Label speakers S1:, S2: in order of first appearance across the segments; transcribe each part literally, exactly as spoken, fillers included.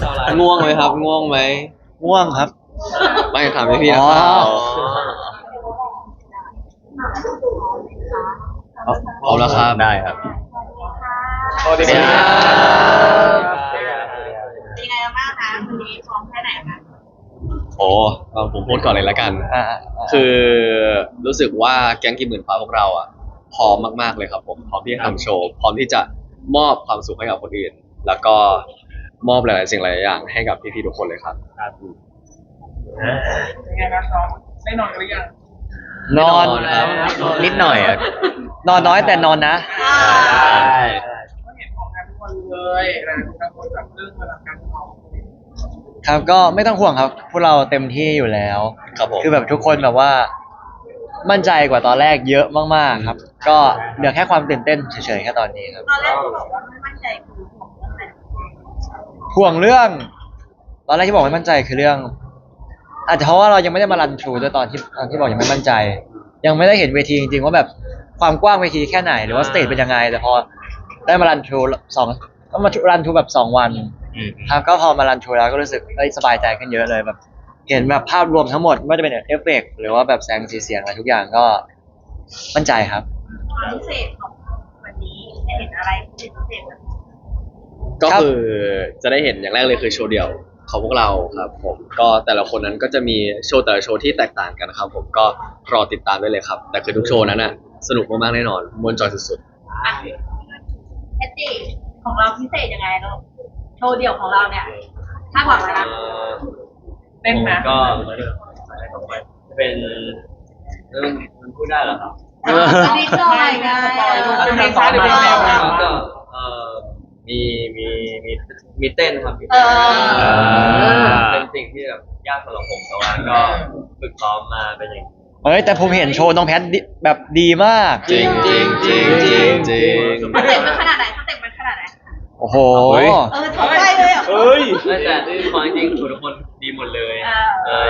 S1: ง่วงไหมครับง่วงไหม
S2: ง่วงครับ
S1: ไม่ถามพี่พี่นะครับพร้อมแล้วครับได้ครับ
S3: สวัสดีครับ
S4: เป็นไงบ้างคะวันนี้พร้อมแค่ไหนคะ
S1: โอ้ผมพูดก่อนเลยละกันคือรู้สึกว่าแก๊งกี่หมื่นฟ้าพวกเราอ่ะพร้อมมากๆเลยครับผมพร้อมที่จะทำโชว์พร้อมที่จะมอบความสุขให้กับคนอื่นแล้วก็มอบหลายๆสิ่งหลายอย่างให้กับพี่ๆทุกคนเลยครับ
S3: เป็นไงครับน้องได้นอนกันหรือยัง
S2: นอน
S1: ครับ
S2: นิดหน่อยอะนอนน้อยแต่นอนนะ
S3: ใช่ก็เห็นของงานทุกคนเลยนะทุกคนแบบเรื่องเวลาการนอน
S2: ครับก็ไม่ต้องห่วงครับพวกเราเต็มที่อยู่แล้ว
S1: ครับผม
S2: คือแบบทุกคนแบบว่ามั่นใจกว่าตอนแรกเยอะมากๆครับก็เหลือแค่ความตื่นเต้นเฉยๆแค่ตอนนี้ครับ
S4: ตอนแรกที่บอกว่าไม่มั่นใจคือของเรื่องอะไร
S2: ห่วงเรื่องตอนแรกที่บอกไม่มั่นใจคือเรื่องอาจจะเพราะว่าเรายังไม่ได้มารันทรูด้วยตอนที่ตอนที่บอกยังไม่มั่นใจยังไม่ได้เห็นเวทีจริงๆว่าแบบความกว้างเวทีแค่ไหนหรือว่าสเตจเป็นยังไงแต่พอได้มารันทรูสองก็มารันทรูแบบสองวันครับก็พอมารันทรูแล้วก็รู้สึกเอ้ยสบายใจขึ้นเยอะเลยแบบเห็นแบบภาพรวมทั้งหมดไม่ว่าจะเป็นเอฟเฟกต์หรือว่าแบบแสงสีเสียงอะไรทุกอย่างก็มั่นใจครับ
S4: ความพิเศษของวันนี้จะเห็นอะไรพิเศษไหม
S1: ก็คือจะได้เห็นอย่างแรกเลยคือโชว์เดี่ยวของพวกเราครับผมก็แต่ละคนนั้นก็จะมีโชว์แต่ละโชว์ที่แตกต่างกันนะครับผมก็รอติดตามได้เลยครับแต่คือทุกโชว์นั้นน่ะสนุกมากๆแน่นอนม่วนจอยสุด
S4: แอตตี้ของเราพิเศษยังไงลูกโชว์เดี่ยวของเราเนี่ยคาดหวังอะไรนะเต้นไหม
S5: ก็เป็นเรื่องมันพูดได้เหรอครับ
S4: นิดหน่อยไง
S3: เป็นเพลงช้าหรือเพลงเร็วครับ
S5: ก็เออมีมีมีมีเต้นครับมี
S4: เอ
S5: เต้น
S4: อ
S5: เป็นสิ่งที่แบบยากสำหรับผมแต่ว่าก็ฝึกซ้อมมาเป็นอย่าง
S2: เฮ้ยแต่ผมเห็นโชว์น้องแพทแบบดีมาก
S1: จริงจริงจริงจริงจริง
S4: สเต็ปมันขนาดไหนสเต็ปมันขนาดไหน
S2: โอ้โห
S4: เออถอดได้เลยอ่ะ
S3: เฮ้ย
S5: แต่ที่ฟังจริงๆทุกคนดีหมดเลยเออ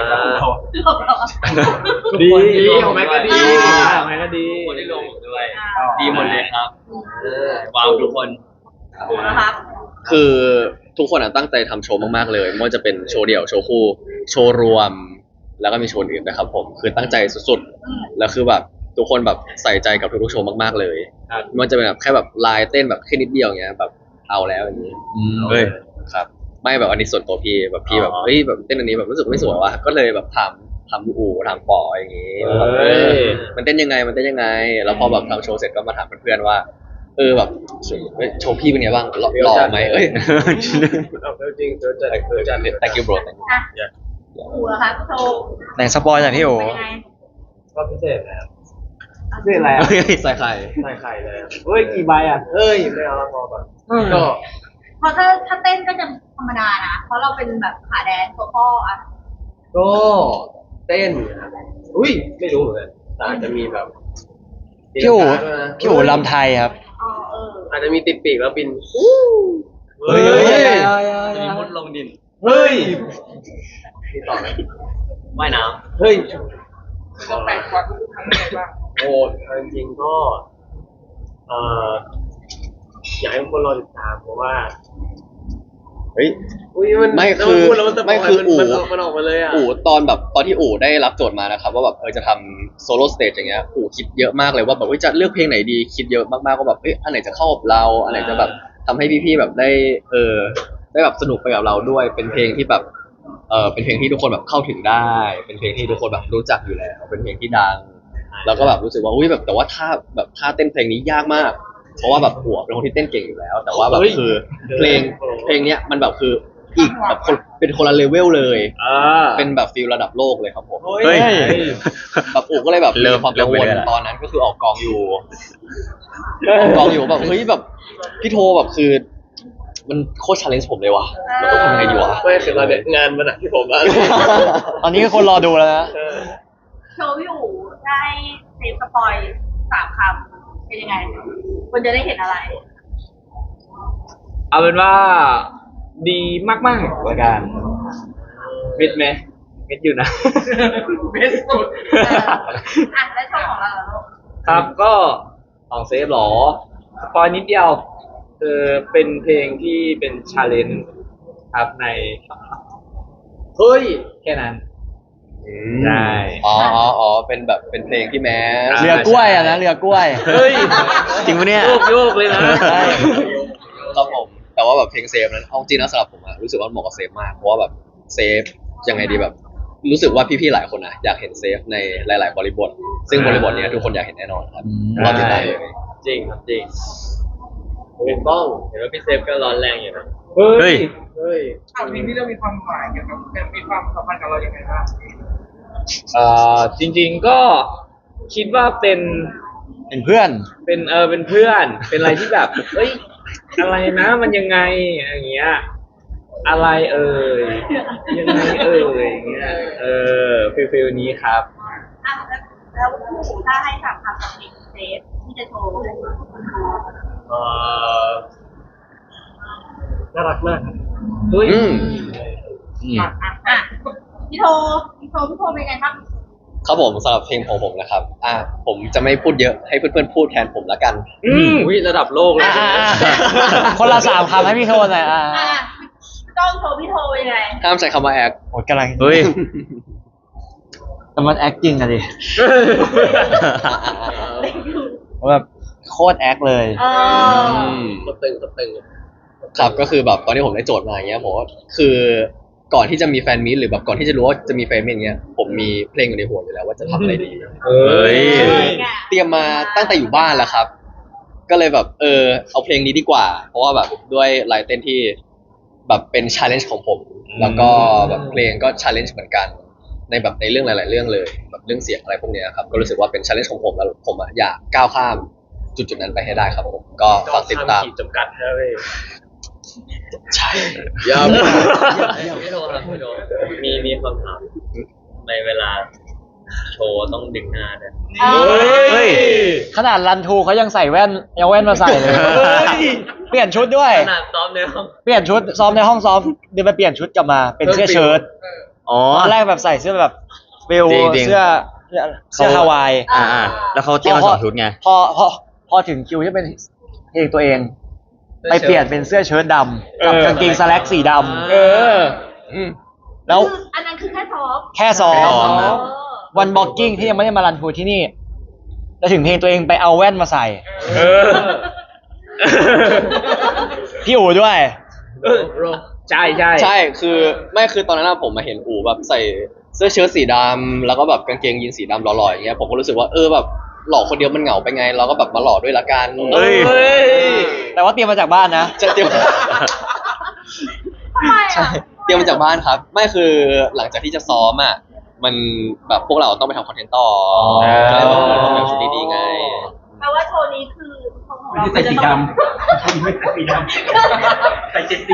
S3: ดีดีของแม็กก็ดีของแม็กก็ดี
S5: คนที่ลงด้วยดีหมดเลยครับว้าวทุกคน
S4: นะครับ
S1: คือทุกคนอ่ะตั้งใจทำโชว์มากๆเลยไม่ว่าจะเป็นโชว์เดี่ยวโชว์คู่โชว์รวมแล้วก็มีโชว์อื่นนะครับผมคือตั้งใจสุดๆแล้วคือแบบทุกคนแบบใส่ใจกับทุกๆโชว์มากๆเลยไม่ว่าจะเป็นแบบแค่แบบลายเต้นแบบแค่นิดเดียวอย่างเงี้ยแบบเอาแล้วอย่างนี้
S2: เฮ้ย
S1: ครับไม่แบบอันนี้ส่วนตัวพี่แบบพี่แบบเฮ้ยแบบเต้นอันนี้แบบรู้สึกไม่สวยว่ะก็เลยแบบทำทำอู่ทำปออย่างงี้มันเต้นยังไงมันเต้นยังไงแล้วพอแบบทำโชว์เสร็จก็มาถามเพื่อนๆว่าเออแบบโชว์พี่เป็นไงบ้างหล่อไหมเอ้ย
S3: จริงเจอจัดเจอจัด
S1: thank you bro
S4: อู๋เหรอคะโชว์
S2: ไหนสปอยหน่อยพี่โอ๋
S3: ก็พิเศษแล้วพิเศษแล้ว
S1: ใส่ไข่
S3: ใส่ไข่เลยเฮ้ยกี่ใบอ่ะเฮ้ยไม่เอาละพอก่อนก็
S4: เพราะถ้าถ้าเต้นก็จะธรรมดานะเพราะเราเป็นแบบขาแดนตัวพ่ออ่ะ
S3: ก็เต้นอุ้ยไม่รู้เหมือนกันแต่อาจจะมีแบบ
S2: พี่โอ๋พี่โอ๋ลำไทยครับ
S4: อ๋อเออ
S3: อาจจะมีติดปีกแล้วบิน
S2: เฮ้ย
S5: มีมดลงดิน
S3: เฮ้ย
S5: ที่ต่อไหมว่ายน้
S3: ำเฮ้ยจะแปลกกว่าทุกครั้งเลยป่ะโอ้จริงๆก็เอ่ออยากให้ทุกคนรอติดตามเพราะว่า
S1: เฮ้ย
S3: มัน
S1: ไม่คือไม่คืออู๋
S3: มันออกมาเลยอ่ะ
S1: อู๋ตอนแบบตอนที่อู๋ได้รับโจทย์มานะครับว่าแบบเออจะทำโซโล่สเตจอย่างเงี้ยอู๋คิดเยอะมากเลยว่าแบบจะเลือกเพลงไหนดีคิดเยอะมากๆว่าแบบเอ้ยอันไหนจะเข้ากับเราอันไหนจะแบบทำให้พี่ๆแบบได้เออได้แบบสนุกไปกับเราด้วยเป็นเพลงที่แบบเออเป็นเพลงที่ทุกคนแบบเข้าถึงได้เป็นเพลงที่ทุกคนแบบรู้จักอยู่แล้วเป็นเพลงที่ดังแล้วก็แบบรู้สึกว่าอุ้ยแบบแต่ว่าท่าแบบท่าเต้นเพลงนี้ยากมากเพราะว่าแบบหัวเป็นคนที่เต้นเก่งอยู่แล้วแต่ว่าแบบคือเพลงเพลงเนี้ยมันแบบคืออีกแบบคนเป็นคนละเลเวลเลยเป็นแบบฟีลระดับโลกเลยครับผม
S2: เฮ้ย
S1: แบบอู๋ก็เลยแบบมีความกังวลตอนนั้นก็คือออกกองอยู่ออกกองอยู่แบบเฮ้ยแบบพี่โทแบบคือมันโคตรชาเลนจ์ผมเลยว่ะเราต้องทำยังไงดีวะ
S3: ไม่คือเราเนี่ยงานมันหนักที่ผมบ้าง
S2: ตอนนี้ก็คนรอดูแล้วนะ
S4: โชว์พี่อู๋ได้เซฟสปอยสามคำเป็นยังไงคนจะได้เห็นอะไร
S5: เอาเป็นว่าดีมากๆละกันเม็ดไหมเม็ดอยู่นะ
S3: เม็ดสุด
S4: อ่ะแล้วโชว์ของเราล่ะลูก
S5: ครับก็ของเซฟหรอสปอยนิดเดียวคือเป็นเพลงที่เป็นชาเลนจ์ครับใน
S3: เฮ้ย
S5: แค่นั้น
S1: อืม
S5: ใช่
S1: อ๋ออ๋ออ๋อเป็นแบบเป็นเพลงที่แม้
S5: อ่า
S2: เรือกล้วยอะนะเรือกล้วย
S5: เฮ้ย
S6: จริงปะเนี่ย
S5: โยกโยกเลยนะ
S2: ใช่
S1: ครับผมแต่ว่าแบบเพลงเซฟนั้นเอาจริงนะสำหรับผมอะรู้สึกว่ามันเหมาะกับเซฟมากเพราะว่าแบบเซฟยังไงดีแบบ รู้สึกว่าพี่ๆหลายคนนะอยากเห็นเซฟในหลาย ๆ บริบท ซึ่งบริบทเนี้ยทุกคนอยากเห็นแน่นอนครับ
S2: อืม
S1: รอติดตามเลย
S3: จริงครับจริงเห็นบ้องเห็นว่าพี่เซฟก็ร้อนแรงอยู่นะ
S5: เฮ้
S6: เฮ้
S5: ย
S6: ย
S3: เฮ้ย
S7: ข่าวนี้ที่เรามีความหมายเกี่ยวกับมีความสัมพันธ์กับเราอย่างไรบ้าง
S5: เอ่อจริงๆก็คิดว่าเป็น
S2: เป็นเพื่อน
S5: เป็นเออเป็นเพื่อน เป็นอะไรที่แบบเอ้ยอะไรนะมันยังไงอย่างเงี้ยอะไรเอ่ยยังไงเอ่ยอย่างเงี้ยเออฟิลฟิลนี้ครับ
S4: อ่ะแล้วแล้วผู้ถ้าให้สามคำกับเพลงเซฟที่จะโชว์ให้คนดู
S3: เอ่อน่ารักมากครับ
S5: เฮ้ย
S1: อืม
S4: อ่ะอ่ะพี่โทพี่โทพี่โทเป็นไงครับ
S1: ครับผมสำหรับเพลงของผมนะครับอ่ะผมจะไม่พูดเยอะให้เพื่อนๆพูดแทนผมละกัน
S5: อืม
S3: อุ้ยระดับโลกเลย
S2: อ่าๆคนละสามคำให้พี่โทนหน่อยอ่า
S4: อ่ะต้องโชว์พี่โทเป็นไง
S1: ห้ามใช้คำว่าแอค
S2: โอ้ยกำลัง
S6: เฮ้ย
S2: แต่มันแอคจริงอะดิแบบโคตรแอคเลย
S4: เออ
S3: สตึงสตึง
S1: ครับก็คือแบบตอนที่ผมได้โจทย์มาอย่างเงี้ยผมว่าคือก่อนที่จะมีแฟนมีตหรือแบบก่อนที่จะรู้ว่าจะมีแฟนมีตอย่างเงี้ยผมมีเพลงอยู่ในหัวอยู่แล้วว่าจะทำอะไรดี
S5: เฮ้ย
S1: เตรียมมาตั้งแต่อยู่บ้านแล้วครับ ก็เลยแบบเออเอาเพลงนี้ดีกว่า เพราะว่าแบบด้วยลายเต้นที่แบบเป็นชาเลนจ์ของผม แล้วก็แบบเพลงก็ชาเลนจ์เหมือนกัน ในแบบในเรื่องหลาย ๆ เรื่องเลยแบบเรื่องเสียงอะไรพวกเนี้ยครับก็รู้สึกว่าเป็นชาเลนจ์ของผมแล้วผมอะอยากก้าวข้ามจุดจุดๆนั้นไปให้ได้ครับผมก็ฝากติดตาม
S3: ขีดจำกัดให้เลย
S1: ใช่
S3: ยาวไม่โทรครับไม่โทรมีมีคำถามในเวลาโชว์ต้องดึงหน้าด้วย
S6: เฮ้ย
S2: ขนาดรันทูเขายังใส่แว่นยังแว่นมาใส่เลย เปลี่ยนชุดด้วย
S3: ขนาดซ้อมในห้อง
S2: เปลี่ยนชุดซ้อมในห้องซ้อมเดินไปเปลี่ยนชุดกลับมาเป็นเสื้อเชิ้ต
S6: อ๋อ
S2: ตอนแรกแบบใส่เสื้อแบบฟิล
S6: จริงๆ
S2: เสื้อเสื้อเสื้อฮาวาย
S6: อ่าอ่าแล้วเขาเตรียมมาสองชุดไง
S2: พอพอพอถึงคิวที่เป็นเพลงตัวเอง ไปเปลี่ยนเป็นเสื้อเชิ้ตดำกับ
S5: เออ
S2: กางเกงสแล็กสีดำ
S5: เออ
S1: อืม
S2: แล้ว
S4: คืออันนั้นคือแค่ซ้อม
S2: แค่ซ้อ
S6: แค่ซ้อ
S2: ม
S6: มนะ
S2: วันบ็อกกิ้งที่ยังไม่ได้มารันทูที่นี่แล้วถึงเพลงตัวเองไปเอาแว่นมาใส่
S5: เออ
S2: พี่อู๋ด้วย
S5: เออใช่ใช่
S1: ใช่คือไม่คือตอนนั้นอะผมมาเห็นอู๋แบบใส่เสื้อเชิ้ตสีดำแล้วก็แบบกางเกงยีนสีดำหล่อๆอย่างเงี้ยผมก็รู้สึกว่าเออแบบหล่อคนเดียวมันเหงาไปไง เราก็แบบมาหล่อด้วยละกัน
S6: เฮ้ย
S5: เฮ้ย
S2: แต่ว่าเตรียมมาจากบ้านนะ
S1: จะเตรียม
S4: ทำไม
S1: ใช่
S4: อ่ะ
S1: เตรียมมาจากบ้านครับ ไม่คือหลังจากที่จะซ้อมอ่ะมันแบบพวกเราต้องไปทำคอนเทนต์ต่ออ
S2: อ
S1: ก็เลยแบบต้องแบบชุดดีๆไง
S4: แปลว่าโชว์นี้คือของเรา
S7: ไม่ใส่สีดำไม่ใส่สีดำใส่เจ็ดสี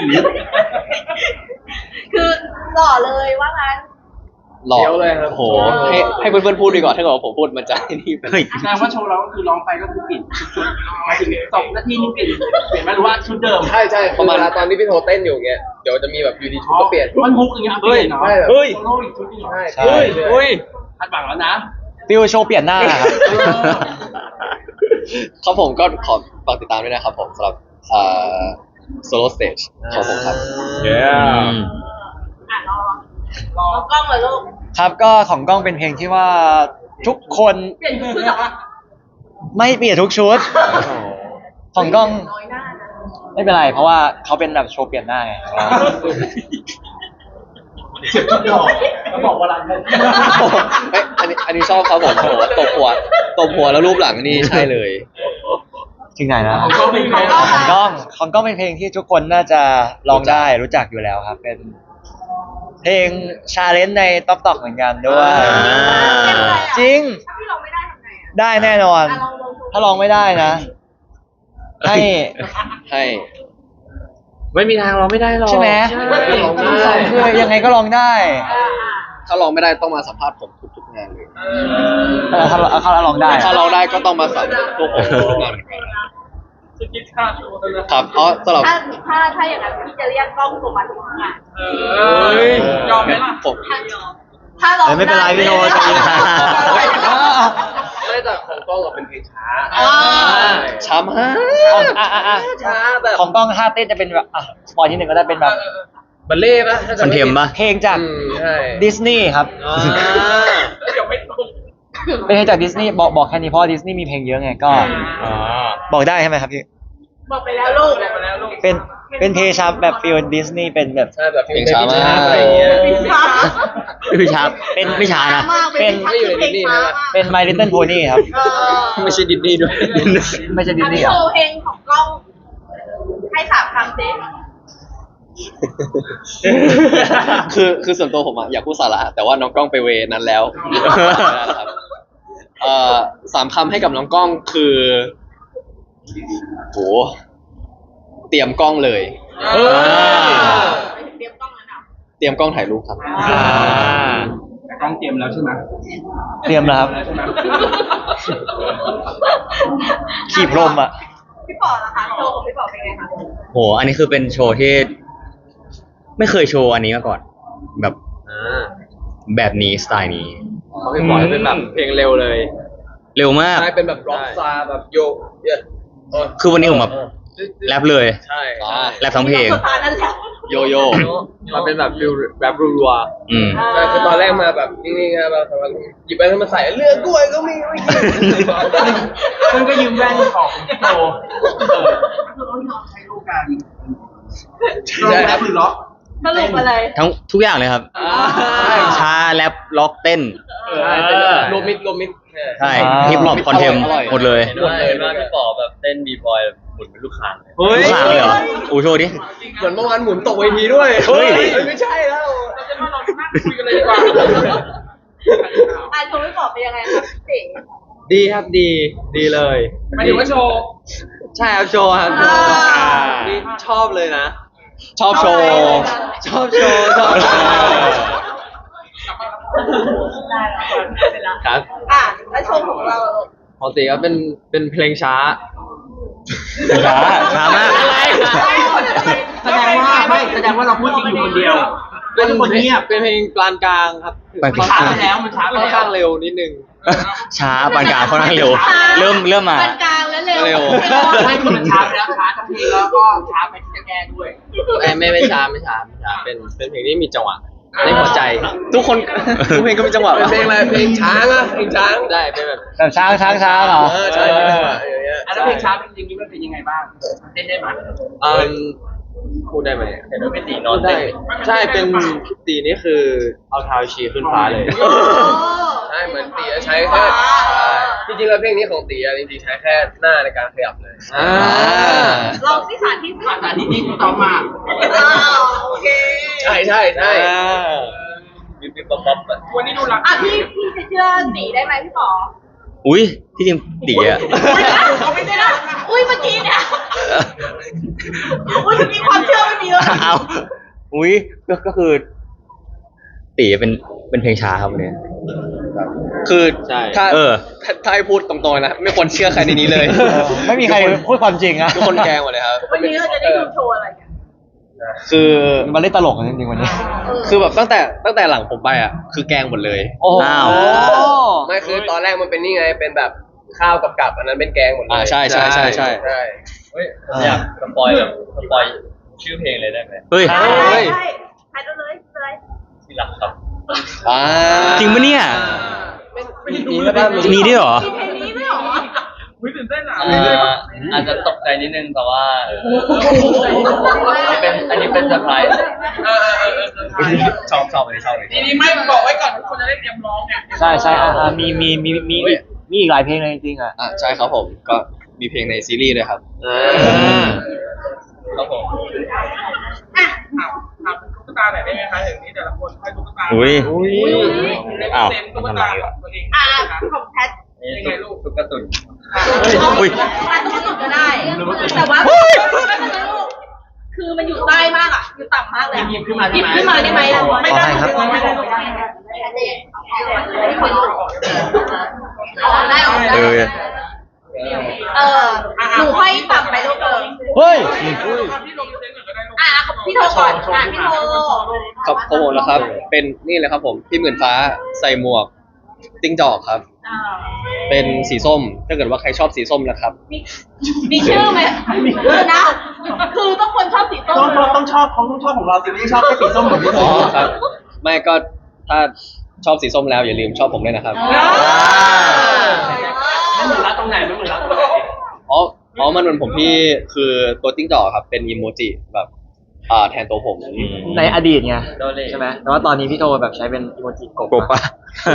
S4: คือหล่อเลยว่างั้น
S1: หล่อ
S3: เดี๋ยวเลยครับ
S1: โอ้โหให้ให้เพื่อนๆพูดดีกว่าถ้าเกิดว่าผมพูดมันจะให้นี่ไป
S6: เฮ้ย
S7: แสดงว่าโชว์เราก็คือร้องไปก็คือเปลี่ยนชุดหมายถึงสองนาทีนึงเปลี่ยนเปลี่ยนไหมหรือว่าชุดเดิม
S3: ใช่ใช่ประมาณตอนที่พี่โทเต้นอยู่เงี้ยเดี๋ยวจะมีแบบยูดีชุดก็เปลี่ยน
S7: มันฮุกอย่างเงี้ยเปลี่ยนเนาะ
S3: ใช่แบบ
S5: เฮ้ย
S7: โซโล่อีกชุดนึงเหรอ
S3: ใช่
S1: ใช่
S5: เฮ้ยเฮ้ย
S7: คาดหวังแล้วนะ
S2: ฟิลโชว์เปลี่ยนหน้าครับ
S1: ครับผมก็ขอฝากติดตามด้วยนะครับผมสำหรับเอ่อ solo stage ของผมครับ
S5: เย้
S4: อ่ะรอรอกล้องเลยลูก
S2: ครับก็ของกล้องเป็นเพลงที่ว่าทุกคน
S4: เปลี่ยนชุดเหรอ
S2: ไม่เปลี่ยนทุกชุด ของกล้อง
S4: น้อยหน้านะ
S2: ไม่เป็นไร เพราะว่าเขาเป็นแบบโชว์เปลี่ยนหน้าไง
S7: เขาบอกว่ารันเลย
S1: เอ้ยอันนี้อันนี้ชอบครับผมโอ้โหตบหัวตบหัวแล้วรูปหลังนี่ใช่เลย
S2: ถึงไหนนะ
S7: ของเขาเป็นไง
S2: อ๋อของกล้องของกล้องเป็นเพลงที่ทุกคนน่าจะร้องได้รู้จักอยู่แล้วครับ เป็น เพลงชาเลนจ์ในต๊อกตอกเหมือนกันด้วย จริง
S4: ถ้าพี่ลองไม่ได้ทำไงอ่ะ
S2: ได้แน่นอน
S4: อ่ะลองลองดู
S2: ถ้าร้องไม่ได้นะ ให้
S1: ให้
S5: ไม่มีทางเราไม่ได้หรอก
S2: ใช่ไหม
S5: ใช่
S2: คือยังไงก็ร้องได้
S4: อ่ะ
S1: ถ้าลองไม่ได้ต้องมาสัมภาษณ์ผมทุกๆงานเลย
S2: เออถ้าถ้าร้องได้
S1: ถ้าเราได้ก็ต้องมาสัมภาษณ์พวกผมทุกๆงานเหมือนกัน
S7: สกิทค่าตัวนะครับ
S1: เพราะสำหรับ
S4: ถ้าถ้าถ้าอย่างนั้นพี่จะเรียกกล้องตัวมาทุกงาน
S7: เออยอมไหมล่ะ
S1: ผม
S4: ถ้ายอมถ้าลอง
S2: เออไม่เป็นไรพี่โนใจเย็น
S3: ไม่แต่ของกล้องเราเป็นเพลงช้า
S4: อ่า
S1: ช้ามาก
S2: อ่ะอ่ะอ่ะ
S3: ช้าแบบ
S2: ของกล้องท่าเต้นจะเป็นแบบอ่ะสปอยที่หนึ่งก็ได้เป็นแบบ
S3: บัลเล่ต์ปะถ้า
S6: ค
S3: จำ
S6: อน
S3: ไม่
S6: เท
S3: ผิด
S6: มปะ
S2: เพลงจาก
S3: อืมใช่
S2: ดิสนีย์ครับ
S3: อ่า
S7: เดี๋ยวไม่ตรง
S2: เป็นเพลงจากดิสนีย์บอกบอกแค่นี้เพราะดิสนีย์มีเพลงเยอะไงก็
S6: อ๋อ
S2: บอกได้ใช่ไหมครับพี่
S4: บอกไปแล้วลูก
S7: มาแล้วลูก
S2: เป็นเป็นเพลงชาแบบฟิลดิสนีย์เป็นแบบ
S3: ใช่แบบ
S1: เพลงช้ามาก
S3: อะไรอย่างเงี้ย
S4: พี่ช้า
S6: ไม่ช้า
S2: เป็น
S6: ไม่ช้านะ
S2: เป็น
S3: ไม่อยู่ในดิสนีย์ใช่ไหม
S2: เป็น My Little Pony ครับ
S1: ไม่ใช่ดิสนีย์ด้วย
S2: ไม่ใช่ดิ
S4: อั
S2: ส
S4: น
S2: นี
S4: นี้
S2: ย์
S4: โช
S2: อ่ะ
S4: ว์เพลงของกล้อง ให้สามคำสิ
S1: คือคือส่วนตัวผมอะอยากพูดสาระแต่ว่าน้องกล้องไปเวนั้นแล้วไม่ได้แล้วครับเอ่อสามคำให้กับน้องกล้องคือโหเตรียมกล้องเลย
S3: เออ
S4: เตรียมกล้องนั้นอ่ะ
S1: เตรียมกล้องถ่ายรูปครับ
S6: อ่า
S7: แต่กล้องเตรียมแล้วใช่ไหม
S2: เตรียมแล้วครับ
S7: ใช่ไหม
S2: ขีบลมอ่ะ
S4: พี่ป๋อล่ะคะโชว์ของพี่ป๋อเป็นไงคะ
S6: โห อันนี้คือเป็นโชว์ที่ ไม่เคยโชว์อันนี้มาก่อน แบบ
S3: อ่า
S6: แบบนี้สไตล์นี้
S3: เขาให้ปล่อยเป็นแบบเพลงเร็วเลย
S6: เร็วมาก
S3: ใช่เป็นแบบร็อกซาแบบโยกเยอะ
S6: คือวันนี้ผมแบบแรปเลย
S3: ใช่
S1: อ่า
S6: แรปทั้งเพลง
S4: สตาร์นั่นแหละ
S1: โยโย่
S3: มันเป็นแบบฟิลแบบรัว
S6: อืม
S3: ๆใช่คือตอนแรกมาแบบนิ่งๆนะแบบหยิบไปแล้วมาใส่เลือกด้วยก็มีไม่กิน
S7: ซึ่งก็ยืมแว่นของโตเออคือต้องยอมใช้ลูกกันล็อกแรปหรือล็อก
S4: สรุปอะไร
S6: ทั้งทุกอย่างเลยครับ
S3: ใช่
S6: ช้าแรปล็อกเต้น
S3: ใช่เป็นแบบรวมมิดรวมมิด
S6: ใช่ฮิปฮอปคอนเทมหมดเลย
S3: หมดเลยว่าพี่ป๋อแบบเต้นบีบอยหมุนเป็นลูกคางเฮ้ย
S6: ลูกค้างเลยเหรออูโชว์ดิ
S3: เหมือนเมื่อวานหมุนตกเวทีด้วย
S6: เฮ้ย
S3: ไม่ใช่แล้ว
S7: เราจะมาลองนั่งคุยกันเลยดีกว่า
S4: อ่ะโชว์พี่ป๋อเป็นยังไงคะพี่
S3: ดีครับดีดีเลย
S7: หมายถึงว่าโชว์
S3: ใช่ครับโชว์ครับ
S4: อ่า
S3: นี่ชอบเลยนะ
S1: ชอบโชว์
S3: ชอบโชว์ชอบโชว์
S4: ได้แล้วเป็นละ
S3: ครับ
S4: อ่ะแล้วโชว์ของเราลูก
S3: ปกติก็เป็นเป็นเพลงช้า
S6: ช้าช้ามาก
S3: อะไร
S7: แสดงว่าไม่แสดงว่าเราพูดจริงอยู่คนเดียว
S3: เป็น
S7: ทุกคนเงียบ
S3: เป็นเพลงกลางกลางๆครับ
S6: ปานก
S7: มัน
S6: ลา
S7: ช้าง ไปแล้วมันช้าไป
S3: ค่อน
S7: แล้ว
S3: ข้างเร็วนิดนึง
S6: ช้าปานกลางค่อนข้างเร็ว เริ่มเริ่มมา
S4: ปานกลางแล้วเร็ว
S1: เร็ว
S7: ไม่คือมันช้าไปแล้วช้าทั้งเพลงแล้วก็ช้าไปที่จะแก้ด้วย
S3: ไม่ไม่ไม่ช้าไม่ช้าไม่ช้าเป็นเป็นเพลงที่มีจังหวะในหัวใจ
S1: ทุกคนทุกเพลงก็มีจังหวะ
S3: เป็นเพลงอะไรเพลงช้างอะเพลงช้างได้เป็นแบบ
S2: แบบช้างช้างช้างเหรอ
S3: เออใช่เป็นจังหวะอย่างเงี้ย
S7: อันนั้นเพลงช้าเป็นจริงๆมันเป็นยังไงบ้างเต้นได้ไหม
S3: เออพูดได้ไหมเห็นว่าเป็นตีนอนได้ ใช่เป็นตีนี่คือเอาเท้าชี้ขึ้นฟ้าเลย
S4: โอ้
S3: ใช่เหมือนตีใช้แค่จริงๆแล้วเพลงนี้ของตีอะจริงๆใช้แค่หน้าในการขยับเลยอ่า
S4: ลองที่สาธิต
S7: ภาษาที่นี่ต่อมา
S4: อ้าวโอเค
S3: ใช่ใช่ใช่
S7: บิ๊บบิ๊บบ๊อบบ๊อบวันนี้ดูรัก
S4: อ่ะพี่พี่จะเชื่อตีได้ไหมพี่ป๋อ
S6: อุ้ยที่จริงตีอะ
S4: เขาไม่ได้นะอุ้ยเมื่อกี้เนี่ยอุ้ยเมื่อกี้ความเชื่อไม่มีเลย
S6: เอาอุ้ยก็ก็คือ ตีเป็นเป็นเพลงช้าครับวันนี้
S1: คือ
S3: ใช่
S1: ถ้า
S6: เออ
S1: ถ้าถ้าให้พูดตรงๆนะไม่ควรเชื่อใครในนี้เลย
S2: ไม่มีใครพูดความจริงอะ
S1: ทุกคนแกล้งหมดเลยครับ
S4: วันนี้เราจะได้ดูโชว์อะไรกัน
S1: คือ
S2: มันเล่นตลกกันจริงๆวันนี้
S1: คือแบบตั้งแต่ตั้งแต่หลังผมไปอ่ะคือแกล้งหมดเลย
S2: โอ้โห
S6: อ้าว
S3: ไม่คือตอนแรกมันเป็นนี่ไงเป็นแบบข้าวกับกับอันนั้นเป็นแกงหมดเลย
S1: อ่าใช่ใช่ใช่ใช่
S3: ใช่
S5: เฮ้ยผมอยากสปอยแบบสปอยชื่อเพลงเลยได้ไหม
S6: เฮ้ย
S4: ได้ได้ได้ถ่ายดูเลยเลย
S5: ที่รักครับ
S1: อ่า
S6: จริงปะเนี่ย
S3: มีก็ได้
S6: มีด้วยเหรอ
S4: มีเพลงนี้ด้วยเหรอ
S7: อุ้ยตื่นเต้นอ่ะ
S5: เอ่ออาจจะตกใจนิดนึงแต่ว่าเอออันนี้เป็นอันนี้เป็นเซอร์ไพรส์
S7: เออเออเออเออ
S5: ชอบชอบอันนี้ชอบเลย
S7: ทีนี้ไม่บอกไว้ก่อนทุกคนจะได้เตรียมร้องไง
S2: ใช่ใช่อ่ะอ่ะมีมีมีมีอีกมีอีกหลายเพลงเลยจริงๆอ่ะ
S1: อ่าใช่ครับผมก็มีเพลงในซีรีส์ด้วยครับ
S3: อ่า
S5: ครับผม
S4: อ่ะ
S7: ถามถามตุ๊กตาหน่อยได้ไหมคะถึงนี้แต่ละคนให้ตุ๊กตา
S6: อุ้ย
S3: อุ้ย
S6: อ้าว
S7: เต็มตุ๊ก
S6: ทำไม
S7: ตา
S6: อ่ะ
S7: ตัวเอง
S4: อ่ะของแพท
S5: นี่ตุ๊กตุ๊กตาตุ่น
S6: อุ้ย
S4: อ่ะต้องสุดก็ได้ แต่ว่าคือมันอยู่ใต้มากอ่ะ อยู่ต่ำมากเลย
S7: หยิบขึ้นมา
S4: หยิบขึ้นมาได้ไหมอ่ะไม่ได้
S2: ขอให้ครับ
S4: ไม่ได้ไม่ได้ออกได้ออกได้
S6: เออ
S4: เออหนูค่อยต่ำไปลูกเออ
S2: เฮ้ย
S7: ที่ลงเซ็นก่อนก็ได้ลูก
S4: อ่ะพี่โทรก่อนอ่ะพี่โทร
S1: ครับของผมนะครับ เป็นนี่เลยครับผมพี่หมื่นฟ้าใส่หมวกติ้งจอกครับ
S4: อ่า
S1: เป็นสีส้ม ถ้าเกิดว่าใครชอบสีส้มนะครับ
S4: มีมีชื่อไหมคือนะ คือต้องคนชอบสีส้ม
S7: ต้องต้องชอบอบเขาต้องชอบของเราสิไม่ใช่ชอบแค่สีส้มเหมือนพี่โต
S1: อ๋อครับ ไม่ก็ถ้าชอบสีส้มแล้วอย่าลืมชอบผมด้วยนะครับ
S7: ไม่เหมือนรักตรงไหนไม่เหมือนรักตรงไหน
S1: อ๋ออ๋อมันเหมือนผมที่คือตัวติ้งจอกครับเป็นอีโมจิแบบอ่าแทนตัวผม
S2: ในอดีตไงใช่ไหมแต่ว่าตอนนี้พี่โทแบบใช้เป็นอีโมจิกบ
S6: กบปะ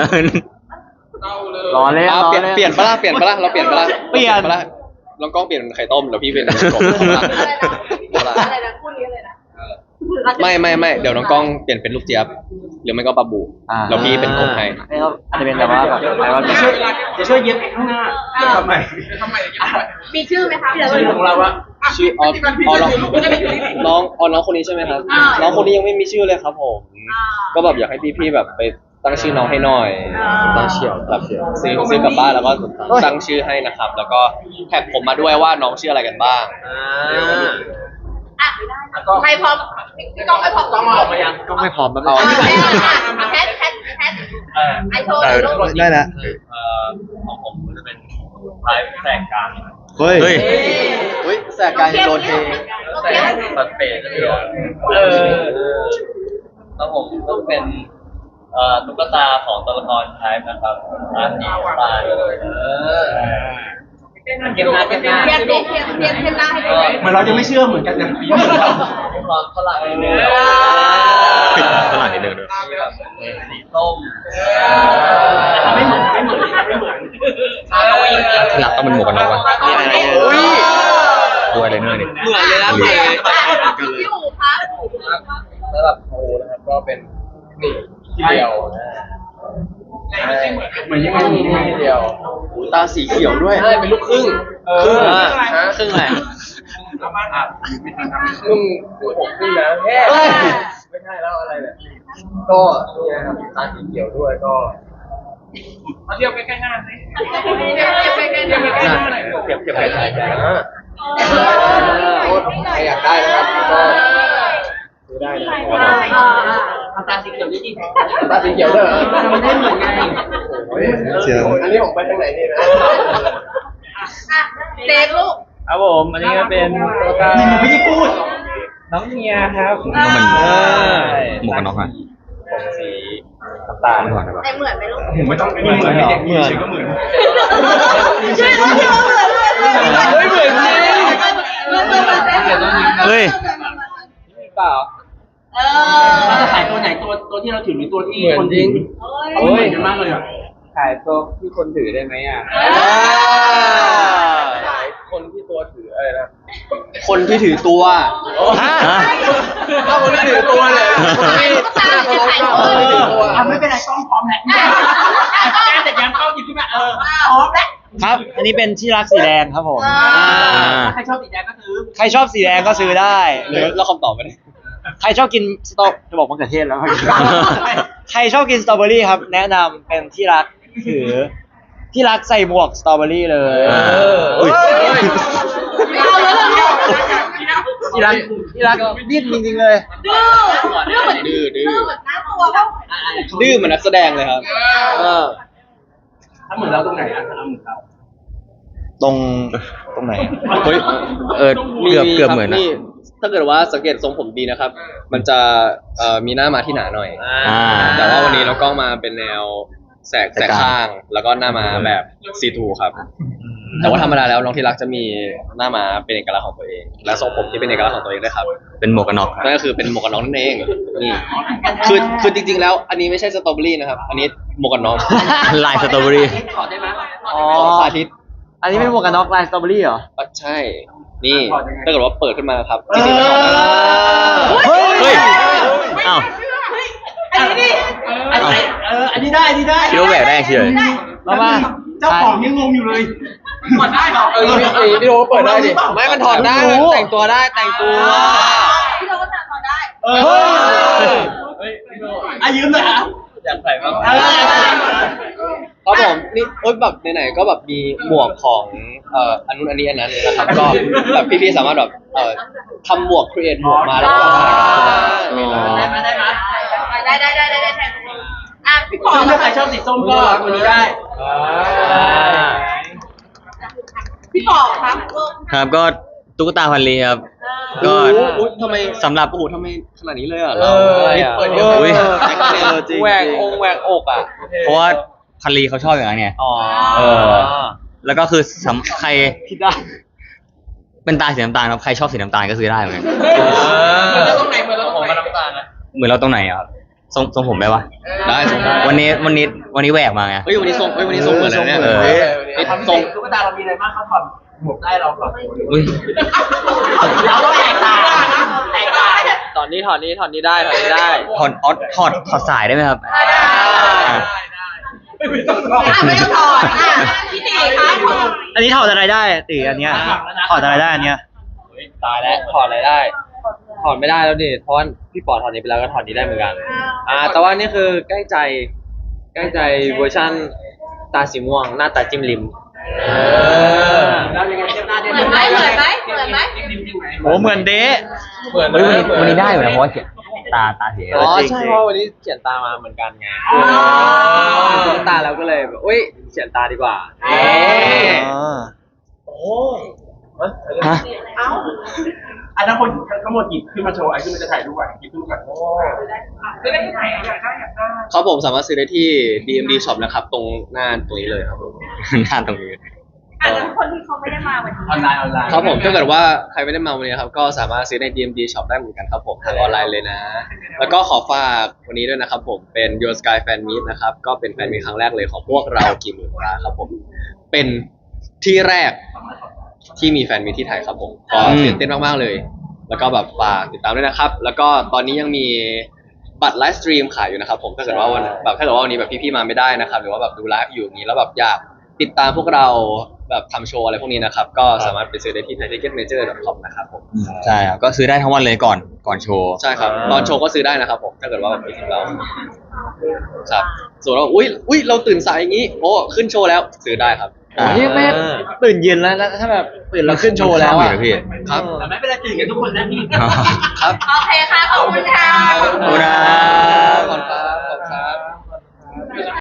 S2: รอเล่น
S1: อ่าร
S2: อ
S1: เปลี่ยน
S2: เล่น
S1: เปลี่ยนปะล่ะเปลี่ยนปะล่ะเราเปลี่ยนปะล่ะ
S2: เปลี่ยน
S1: ปะล่ะลองกล้องเปลี่ยนเป็นไข่ต้มแล้วพี่เป็นกบปะล่ะ
S4: อะไรนะพูดนี้เลยนะ
S1: ไม่ไม่ไม่เดี๋ยวน้องกล้องเปลี่ยนเป็นลูกเจี๊ยบหรือไม่ก็ปลาบู
S2: อ่า
S1: แล้วพี่เป็นกบให้
S2: ไม่เขาอาจจะเป็นแบบว่าแบบอะไรว่า
S7: จะช่วยจะช่วยเย็บข้างหน้าจะทำไม
S4: มีชื่อไหมคะ
S7: ชื่อของเราว่า
S1: ชื่ออ๋ออ๋อน้องน้องอ๋อน้องคนนี้ใช่ไหมครับ
S4: อ่า
S1: น้องคนนี้ยังไม่มีชื่อเลยครับผม
S4: อ่า
S1: ก็แบบอยากให้พี่ๆแบบไปตั้งชื่อน้องให้หน่อย
S4: อ่า
S1: ตั้งเชียวแบบซื้อซื้อกลับบ้านแล้วก็ตั้งชื่อให้นะครับ แล้วก็แท็กผมมาด้วยว่าน้องชื่ออะไรกันบ้าง
S4: อ่ะใครพร้อมพี่ก้องไม่พร้อม
S7: ต้องมาออกมายัง
S2: ก็ไม่พร้อมแล้ว
S1: เอา
S4: อ่ะแพทแพทแพทไอโชว์เลยลูก
S2: ได้แล้ว
S3: เอ่อของผมก็จะเป็นไลฟ์แสกกลาง
S2: เฮ้ย
S6: เฮ้ย
S1: เฮ้ยแสกการโดนเท
S4: โอ
S3: แส
S4: เค
S3: กตัดเปรตจะเดียวเออแล้วผมก็เป็นเอ่อตุ๊กตาของตัวละครไทป์นะครับร้านนี้ปลาเออเก็บหน้าเก็บหน้า
S4: เทียบเทียบเทียบเทียบเทียบหน้าให้ดู
S7: เหมือนเราจะไม่เชื่อเหมือนกันนะ
S3: มีความฝรั่งนิดนึง
S6: ฝรั่งนิดนึงด้วย
S3: มีแบบสีส้ม
S7: ไม่เหมือนไม่เหมือนไม่เหมือน
S6: ที่รักต้องเป็นหมวกกันน็อกวะ
S1: อุ้ย
S6: ดูอะไรเนอร์นี่
S1: เหมือนเลยนะพี่
S4: พี่อู๋ครับ
S3: สำหรับโอนะครับก็เป็นนี่ที่เดียว
S7: เหมือนยังไงเหมือนยังไง
S3: ที่เดียว
S1: หูตาสีเขียวด้วย
S3: ใช่เป็นลูกครึ่ง
S1: ครึ่ง
S3: อ่ะ
S1: ฮะครึ่งอะไร
S3: ครึ่งครึ่งผมครึ่งนะแค่
S1: เฮ้ย
S3: ไม่ใช่แล้วอะไรเนี่ยก็นี่นะครับตาสีเขียวด้วยก็
S7: เทียบใกล้ๆหน้าสิ
S4: เทียบเทียบไปกันเทียบไปกัน
S3: เปรียบเทียบกันอ่าใครอยากได้นะครับก็ซื้อได้นะ
S7: ตาสีเขียวนี่ดี
S3: ตาสีเขียวด้วยเหรอ
S7: มันไม่เหมือนไง
S3: โอ้ยอันนี้ผมไปทางไหนดีนะ
S4: อ่ะเซฟลูก
S5: ครับผมอันนี้ก็เป็นตัวตา
S7: หนูไม่ได้พูด
S5: น้องเมียครับ
S6: ต้องเป็น
S5: เออ
S6: หมวกกันน็อกอะ
S3: ผมสีน้ำตาล
S6: ไม่ก่อนได้ปะ
S4: แต่เหมือนไหมลูก
S7: ผมไม่ต้องไม่เหมือนเด็กเหมือนก็เหมือน
S4: ช่วยลูกช่วยเหมือนเหมือนเหมือนเหมือนจริงเหมือนเหมือนเหมือน
S6: เฮ้ย
S5: เปล่า
S4: เอ
S7: เราจะ
S4: อ
S7: ขายตัวไหนตัวตัวที่เราถือหรือตัวที่
S3: เหมือน
S7: คน
S3: จริง
S7: เขาไม่เหมือนกันมากเลยอ่ะ
S5: ขายตัวที่คนถือได้ไหมอ่ะ
S3: หลายคนที่ตัวถืออะไรนะ
S1: คนที่ถือตัว
S6: ฮะ
S3: ถ้าคนที่ถือตัวเนี่ยคนที่หน้าเขาล้อมคนที่ถือตัว
S7: อ่ะไม่เป็นไรกล้องพร้อมแล้วแกแต่ยังกล้องหยิบขึ้นมาเออพร้อมแล้ว
S2: ครับ อันนี้เป็นที่รักสีแดงครับผม
S6: อ่า
S7: ใครชอบสีแดงก็ซื้อ
S2: ใครชอบสีแดงก็ซื้อได้ ห
S1: ห
S2: รื
S1: รือ อเราคำตอบไปเลย
S2: ใครชอบกินสตรอจะบอกมะเขือเทศแล้ว ใครชอบกินสตรอเบอรี่ครับ แนะนำเป็นที่รักถือ ที่รักใส่หมวกสตรอเบอรี่เลย
S6: อ่า
S2: อุ๊ย
S4: เอาแล้วเหรอ
S2: ที่รักที่รักดิ้นจริงๆเลย
S4: ดื้อดื้อเหมือน
S1: ดื้อดื้อ
S4: ดื้อเหมือนน้าตัวเขา
S1: ดื้อเหมือนนักแสดงเลยครับเออ
S7: ถ้าเหมือนเราตรงไหนอ่ะถ้าเราเหมือนเรา
S2: ตรงตรงไหน
S6: เฮ้ยเออเกือบเกือบเหมือนนะ
S1: ถ้าเกิดว่าสังเกตทรงผมดีนะครับ มันจะเอ่อมีหน้ามาที่หนาหน่อย
S6: อ่า
S1: แต่ว่าวันนี้เรากล้องมาเป็นแนวแสกแสกข้าง แล้วก็หน้ามาแบบซีทูครับ แต่ว่าธรรมดาแล้วน้องที่รักจะมีหน้ามาเป็นเอกลักษณ์ของตัวเอง และทรงผมที่เป็นเอกลักษณ์ของตัวเองด้วยครับ
S6: เป็นหมวกกันน็อกครับ
S1: นั่นก็คือเป็นหมวกกันน็อกนั่นเองนี่คือคือจริงๆแล้ว อันนี้ไม่ใช่สตรอเบอรี่นะครับ อันนี้หมวกกันน็อก
S6: ลายสตรอเบอรี่
S7: ถอดได้ไหม
S2: อ๋อ
S1: ของสาธิต
S2: อันนี้เป็นหมวกกันน็อกลายสตรอเบอรี่เหรอ
S1: อ่ะใช่ นี่ถ้าเกิดว่าเปิดขึ้นมาครับจริงๆมันถอดได้
S2: เฮ้ย
S6: เฮ้ย อ้าว
S4: อันนี้ดิ
S7: อันนี้เอออันนี้ได้อันนี้ได้
S6: คิดว่าแหวกได้เฉย
S2: แล้วมา
S7: เจ้าของยังงงอยู่เลยถอดได้เหรอ
S3: เออพี่พี่พี่โดเปิดได้ดิ
S1: ไม่มันถอดได้มันแต่งตัวได้แต่งตัว
S4: พี่โดนถอดได้
S7: เออ
S3: เฮ้ยพี่โด
S7: อ่ะยืมเลยอ่ะ
S3: อยากใส่บ้าง
S7: เออ
S1: ครับผมนี่โอ๊ยแบบไหนๆก็แบบมีหมวกของเอ่ออันนู้นอันนี้อันนั้นนะครับก็แบบพี่ๆสามารถแบบเอ่อทำหมวกครีเอทหมวกมาแล้วก็ขายกันได้
S7: ได้ไหมได้ไหม
S4: ได้ได้ได้ได้ได้แทนอ่ะพี่ปอ
S7: ซึ่งถ้าใครชอบสีส้มก็ตัวนี้ได้
S4: พี่ปอครับลูก
S6: ครับก็ตุ๊กตาพันลีครับ
S4: เออ
S6: ก็
S1: โอ้โหทำไม
S6: สำหรับ
S1: โอ้โหทำไมขนาดนี้เลยอ่ะ
S7: เอ
S1: เรา
S7: อ
S1: นี่
S7: เปิด
S1: เอ
S7: เอ
S1: อ
S7: อ
S1: เออจริง
S7: แหวกองค์แหวกอกอ่ะ
S6: เพราะว่าพันลีเขาชอบอย่างนั้นไง
S7: อ๋อ
S6: เออ แล้วก็คือสำใคร
S7: คิดได้
S6: เป็นตาสีน้ำตาลครับใครชอบสีน้ำตาลก็ซื้อได้เหมือนกัน
S7: มันจะต้องไหนมันต้องไหนน้ำตาลนะ
S6: เหมือนเราตรงไหนอ่ะครับทรงทรงผมได้ปะ
S1: ได้สมมติ
S6: วันนี้วันนี้วันนี้แหวกมาไง
S1: เฮ้ยวันนี้ทรงเฮ้ยวันนี้ทรงเหมือนอะไรเนี่ย
S6: เออ
S1: เฮ้ย
S7: ไอ้ทำทรงตุ๊กตาเรามีอะไรบ้างครับถอดหมวกได้เราถอด
S6: อุ้ย
S7: เราต้องแตกต่างแตกต่าง
S3: ตอนนี้ถอดนี้ถอดนี้ได้ถอดนี้ได้
S6: ถอดออดถอดถอดสายได้ไหมครับ
S4: ได้ได้
S6: อ่ะ
S7: ไม่ต้องถอด
S4: อ่ะไม่ต้องถอดอ่ะพี่ตีคะถอด
S2: อันนี้ถอดอะไรได้ตีอันเนี้ยถอดอะไรได้อันเนี้ย
S3: ตายแล้วถอดอะไรได้ ถอดไม่ได้แล้วดิเพราะว่าพี่ปอถอดนี้ไปแล้วก็ถอดนี้ได้เหมือนกัน อ่า แต่ว่านี่คือใกล้ใจ ใกล้ใจเวอร์ชั่นตาสีม่วงหน้าตาจิ้มลิม
S7: แล้วยังไงเทียบหน้า
S4: เห
S7: ได้
S4: มือนไหมเหมือนไหมเหมือนไหม
S2: โอ้เหมือนเดะ
S3: เหมือน
S6: เฮ้ยวันนี้วันนี้ได้อยู่นะเพราะว่าเขียนตาตาสี
S3: อ๋อ
S2: จริงๆ
S3: ใช่เพราะวันนี้เขียนตามาเหมือนกันไงตุ๊กตาเราก็เลยแบบอุ้ยเขียนตาดีกว่า
S2: อ๋อ
S7: โอ้
S6: ฮะ
S4: เอ้า
S7: อันนั้นคนทั้งหมดหยิบขึ้นมาโชว์ไอ้ขึ้นมาจะถ่ายรูปอ่ะหยิบขึ้นมาก่อนโอ้จะได้ถ่ายอยากได้อยากได้
S1: ครับผมสามารถซื้อได้ที่ ดี เอ็ม ดี Shop นะครับ ตรงหน้าตรงนี้เลยครับผม
S6: หน้าตรงนี้
S4: อ่ะแล้วคนที่เขาไม่ได้มาวันนี้
S7: ออนไลน์ออนไลน์
S1: ครับผมถ้าเกิดว่าใครไม่ได้มาวันนี้นะครับก็สามารถซื้อใน ดี เอ็ม ดี Shop ได้เหมือนกันครับผมทางออนไลน์เลยนะ แล้วก็ขอฝากวันนี้ด้วยนะครับผมเป็น Your Sky Fan Meet นะครับก็เป็นแฟนมีตครั้งแรกเลยของพวกเรากี่หมื่นตาครับผมเป็นที่แรกที่มีแฟนมีตที่ไทยครับผมก็ตื่นเต้นมากๆเลย แล้วก็แบบฝากติดตามด้วยนะครับ แล้วก็ตอนนี้ยังมีบัตรไลฟ์สตรีมขายอยู่นะครับผมถ้าเกิดว่าวันแบบถ้าเกิดว่าวันนี้แบบพี่ๆมาไม่ได้นะครับหรือว่าแบบดูไลฟ์อยู่อย่างนี้แล้วแบบอยากติดตามพวกเราแบบทำโชว์อะไรพวกนี้นะครับก็สามารถไปซื้อได้ที่ ไทยทิเก็ตเมเจอร์ ดอท คอม นะครับผม
S6: ใช่ครับก็ซื้อได้ทั้งวันเลยก่อนก่อนโชว์
S1: ใช่ครับตอนโชว์ก็ซื้อได้นะครับผมถ้าเกิดว่าแบบไปถึงเราครับส่วนเราอุ้ยอุ้ยเราตื่นสายอย่างนี้โอ้ขึ้นโชว์แล้วซื้อได้ครับ
S6: อ่า
S2: โอ้ยแม่ตื่นเย็นแล้วแล้วถ้าแบบตื่นแล้วขึ้นโชว์แล้ว
S6: ข้าม
S2: อ่ะ
S6: อยู่นะพี่
S1: ครับ
S7: แต่ไม่เป็นไรตื่นกันทุกคนนะพี่
S1: ครับ
S4: โอเคค่ะ ขอบคุณค่ะ
S6: ขอบคุณครับ
S1: ขอบคุณครับ